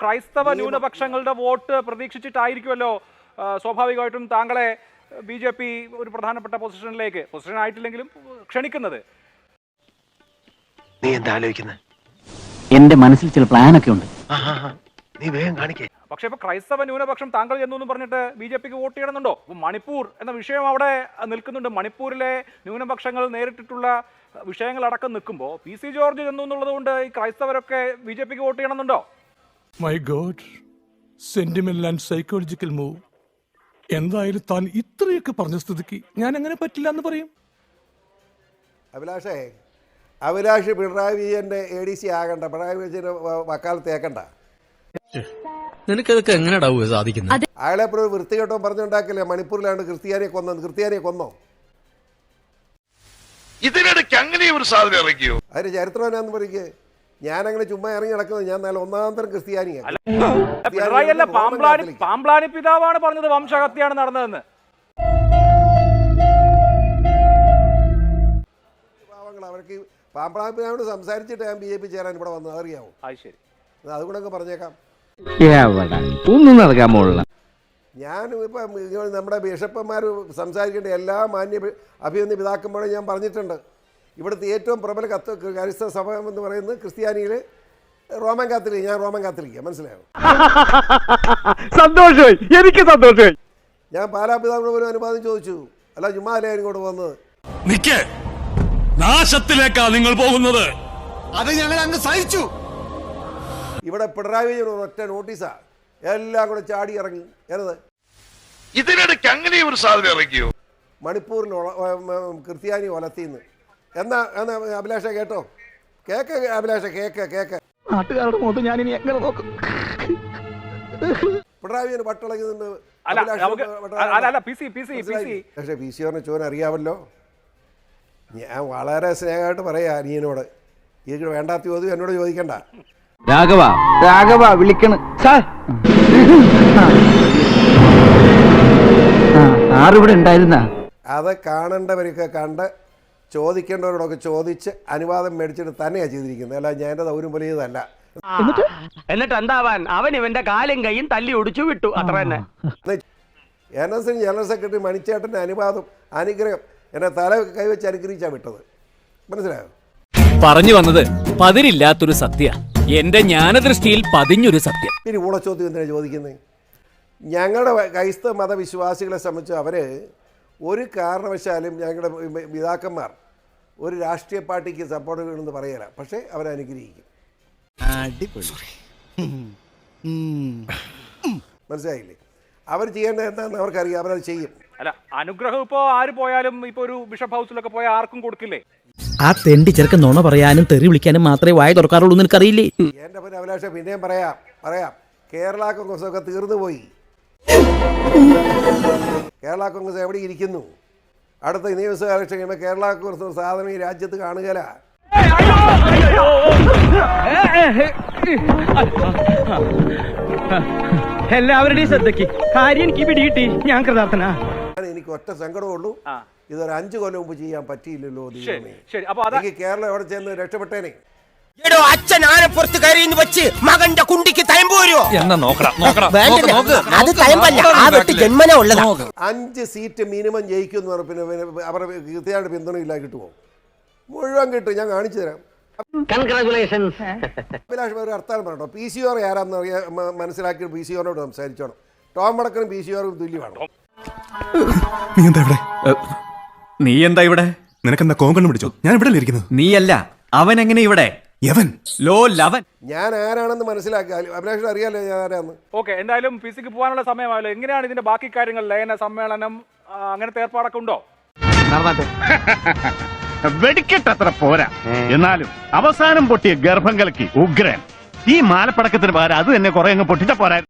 ക്രൈസ്തവ ന്യൂനപക്ഷങ്ങളുടെ വോട്ട് പ്രതീക്ഷിച്ചിട്ടായിരിക്കുമല്ലോ സ്വാഭാവികമായിട്ടും താങ്കളെ BJP ഒരു പ്രധാനപ്പെട്ട പൊസിഷൻ ആയിട്ടില്ലെങ്കിലും ക്ഷണിക്കുന്നത്. നീ എന്താ ആലോചിക്കുന്നത്? എന്റെ മനസ്സിൽ ചില പ്ലാനൊക്കെ ഉണ്ട്. നീ വേഗം കാണിക്കേ. പക്ഷെ ഇപ്പൊ ക്രൈസ്തവ ന്യൂനപക്ഷം താങ്കൾ ചെന്നു പറഞ്ഞിട്ട് BJPക്ക് വോട്ട് ചെയ്യണമെന്നുണ്ടോ? മണിപ്പൂർ എന്ന വിഷയം അവിടെ നിൽക്കുന്നുണ്ട്. മണിപ്പൂരിലെ ന്യൂനപക്ഷങ്ങൾ നേരിട്ടിട്ടുള്ള വിഷയങ്ങളടക്കം നിൽക്കുമ്പോൾ PC ജോർജ് ചെന്നു എന്നുള്ളത് കൊണ്ട് ഈ ക്രൈസ്തവരൊക്കെ BJPക്ക് വോട്ട് ചെയ്യണമെന്നുണ്ടോ? My god, sentimental and psychological move. എന്തായാലും താൻ ഇത്രയൊക്കെ പറഞ്ഞ സ്ഥിതിക്ക് ഞാൻ അങ്ങനെ പറ്റില്ല എന്ന് പറയും. അഭിലാഷ് പിണറായി വിജയന്റെ ADC ആകണ്ട, പിണറായി വിജയന്റെ വക്കാലത്ത് ഏക്കണ്ട. നിനക്കതൊക്കെ എങ്ങനെയാ സാധിക്കുന്നത്? അയാളെ വൃത്തികെട്ടോ പറഞ്ഞുണ്ടാക്കില്ലേ മണിപ്പൂരിലാണ് ക്രിസ്ത്യാനിയെ കൊന്നോ? ഇതിനിടയ്ക്ക് അങ്ങനെ ഒരു സാധനം ഇറക്കിയോ? അതിന് ചരിത്രം എന്നാന്ന് പറയ്ക്ക്. ഞാനങ്ങനെ ചുമ്മാ ഇറങ്ങി നടക്കുന്നത്, ഞാൻ നല്ല ഒന്നാന്തരം ക്രിസ്ത്യാനിയാണ്. പിണറായി അല്ല, പാമ്പ്ലാനി പിതാവാണ് പറഞ്ഞത് വംശഹത്യാണ് നടന്നതെന്ന്. അവർക്ക് പാമ്പ്ലാനി പിതാവിനോട് സംസാരിച്ചിട്ട് ഞാൻ BJP ചേരാൻ ഇവിടെ വന്നത്, അറിയാവോ? ശരി, അതുകൊണ്ടൊക്കെ പറഞ്ഞേക്കാം. ഒന്നും നടക്കാൻ പോലുള്ള ഞാൻ ഇപ്പം നമ്മുടെ ബിഷപ്പന്മാർ സംസാരിക്കേണ്ട എല്ലാ മാന്യ അഭിനന്ദ പിതാക്കന്മാരും ഞാൻ പറഞ്ഞിട്ടുണ്ട്. ഇവിടുത്തെ ഏറ്റവും പ്രബല ക്രൈസ്തവ സഭ എന്ന് പറയുന്നത് ക്രിസ്ത്യാനിയിൽ റോമൻ കാത്തലിക്. ഞാൻ റോമൻ കാത്തലിക്ക, മനസ്സിലായോ? സന്തോഷമായി, എനിക്ക് സന്തോഷമായി. ഞാൻ പാലാ പിതാവിനോട് പോലും അനുവാദം ചോദിച്ചു. അല്ല ചുമ്മാ അല്ലേ ഇങ്ങോട്ട് വന്നത്. നാശത്തിലേക്കാ നിങ്ങൾ പോകുന്നത്. അത് ഞങ്ങൾ അങ്ങ് സഹിച്ചു. ഇവിടെ പിണറായി വിജയൻ ഒറ്റ നോട്ടീസാ, എല്ലാം കൂടെ ചാടി ഇറങ്ങി. ഏത് ഇതിനിടയ്ക്ക് അങ്ങനെ ഒരു സാധനം ഇറക്കിയോ? മണിപ്പൂരിൽ ക്രിസ്ത്യാനി ഒലത്തിന്ന്. എന്നാ അഭിലാഷ കേട്ടോ, കേക്ക് അഭിലാഷ, കേക്ക്. നാട്ടുകാരുടെ മുഖത്ത് ഞാൻ ഇനി എങ്ങനെ നോക്കും? പിണറായി വിജയൻ പട്ടിളകുന്നുണ്ട്. പക്ഷേ PC ചോൻ അറിയാമല്ലോ. ഞാൻ വളരെ സ്നേഹമായിട്ട് പറയാ അനിയനോട്, ഇതിന് വേണ്ടാത്ത ചോദ്യം എന്നോട് ചോദിക്കണ്ട. രാഘവ വിളിക്കണ് സാർ. ആറിവിടെ ഉണ്ടായിരുന്ന അത് കാണേണ്ടവരൊക്കെ കണ്ട് ചോദിക്കേണ്ടവരോടൊക്കെ ചോദിച്ച് അനുവാദം മേടിച്ചിട്ട് തന്നെയാണ് ചെയ്തിരിക്കുന്നത്. അല്ല ഞാൻ എൻ്റെ ദൗര്യം പോലെ ചെയ്തതല്ല. എന്നിട്ട് എന്താവാൻ, അവൻ ഇവന്റെ കാലും കൈയും തല്ലി ഒടിച്ചു വിട്ടു, അത്ര തന്നെ. NS ജനറൽ സെക്രട്ടറി മണിച്ചേട്ടൻ്റെ അനുഗ്രഹം എന്നെ തല കൈവച്ച് അനുഗ്രഹിച്ചാണ് വിട്ടത്, മനസ്സിലായോ? പറഞ്ഞു വന്നത് പതിരില്ലാത്തൊരു സത്യ, എന്റെ ജ്ഞാനദൃഷ്ടിയിൽ പതിഞ്ഞൊരു സത്യം. പിന്നെ ഊളച്ചോദ്യം എന്തിനാണ് ചോദിക്കുന്നത്? ഞങ്ങളുടെ ക്രൈസ്തവ മതവിശ്വാസികളെ സംബന്ധിച്ച് അവർ ഒരു കാരണവശാലും ഞങ്ങളുടെ പിതാക്കന്മാർ ഒരു രാഷ്ട്രീയ പാർട്ടിക്ക് സപ്പോർട്ട് ചെയ്യണമെന്ന് പറയല, പക്ഷേ അവരനുഗ്രഹിക്കും. മനസ്സിലായില്ലേ? അവർ ചെയ്യേണ്ടത് എന്താണെന്ന് അവർക്കറിയാം, അവരത് ചെയ്യും. അല്ല, അനുഗ്രഹം ഇപ്പോ ആര് പോയാലും ഇപ്പൊ ഒരു ബിഷപ്പ് ഹൗസിലൊക്കെ പോയാൽ ആർക്കും കൊടുക്കില്ലേ? ആ തെണ്ടി ചെറുക്കൻ നുണ പറയാനും തെറി വിളിക്കാനും മാത്രമേ വായ തുറക്കാറുള്ളൂ, നിനക്കറിയില്ലേ? എൻ്റെ പിന്നെ അഭിലാഷ പിന്നെയും പറയാം. കേരള കോൺഗ്രസ് ഒക്കെ തീർന്നു പോയി. കേരള കോൺഗ്രസ് എവിടെ ഇരിക്കുന്നു? അടുത്ത നിയമസഭ ഇലക്ഷൻ കഴിയുമ്പോൾ കേരള കോൺഗ്രസ് സാധനം ഈ രാജ്യത്ത് കാണുകയില്ല. എല്ലാവരുടെയും ശ്രദ്ധയ്ക്ക് കാര്യം എനിക്ക് പിടികിട്ടി, ഞാൻ കൃതാർത്ഥനാ. എനിക്ക് ഒറ്റ സങ്കടമുള്ളൂ, ഇതൊരു 5 കൊല്ലം മുമ്പ് ചെയ്യാൻ പറ്റിയില്ലല്ലോ. എനിക്ക് കേരളം എവിടെ ചെന്ന് രക്ഷപ്പെട്ടേനെ. അച്ഛൻ ആനപ്പുറത്ത് കയറിയെന്ന് വെച്ച് മകന്റെ കുണ്ടിക്ക് തയമ്പൂരോ എന്നാ നോക്കണം. 5 സീറ്റ് മിനിമം ജയിക്കും. പിന്നെ അവരുടെ കൃത്യമായിട്ട് പിന്തുണയില്ല, കിട്ടുമോ? മുഴുവൻ കിട്ടും, ഞാൻ കാണിച്ചു തരാം. അഭിലാഷ് ഒരു അർത്ഥം പറഞ്ഞോ. PCR ആരാന്ന് മനസ്സിലാക്കി PCയോട് സംസാരിച്ചോണം. ടോം വടക്കനും PCയോടും തുല്യമാണ്. നീ എന്താ ഇവിടെ? നിനക്കെന്താ കോങ്കണ്ണം പിടിച്ചോ? ഞാൻ ഇവിടെ ഇരിക്കുന്നത്. നീയല്ല, അവൻ എങ്ങനെ ഇവിടെ? ഞാൻ ആരാണെന്ന് മനസ്സിലാക്കി. അഭിലാഷ് അറിയാലോ ഞാൻ ആരാന്ന്. ഓക്കെ, എന്തായാലും PCക്ക് പോകാനുള്ള സമയമായല്ലോ. എങ്ങനെയാണ് ഇതിന്റെ ബാക്കി കാര്യങ്ങൾ? ലയന സമ്മേളനം അങ്ങനത്തെ ഏർപ്പാടൊക്കെ ഉണ്ടോ? വെടിക്കെട്ടത്ര പോരാ, എന്നാലും അവസാനം പൊട്ടിയ ഗർഭം കലക്കി ഉഗ്രൻ. ഈ മാലപ്പടക്കത്തിന് പകരം അത് തന്നെ കുറെ അങ്ങ് പൊട്ടിച്ച പോരാ.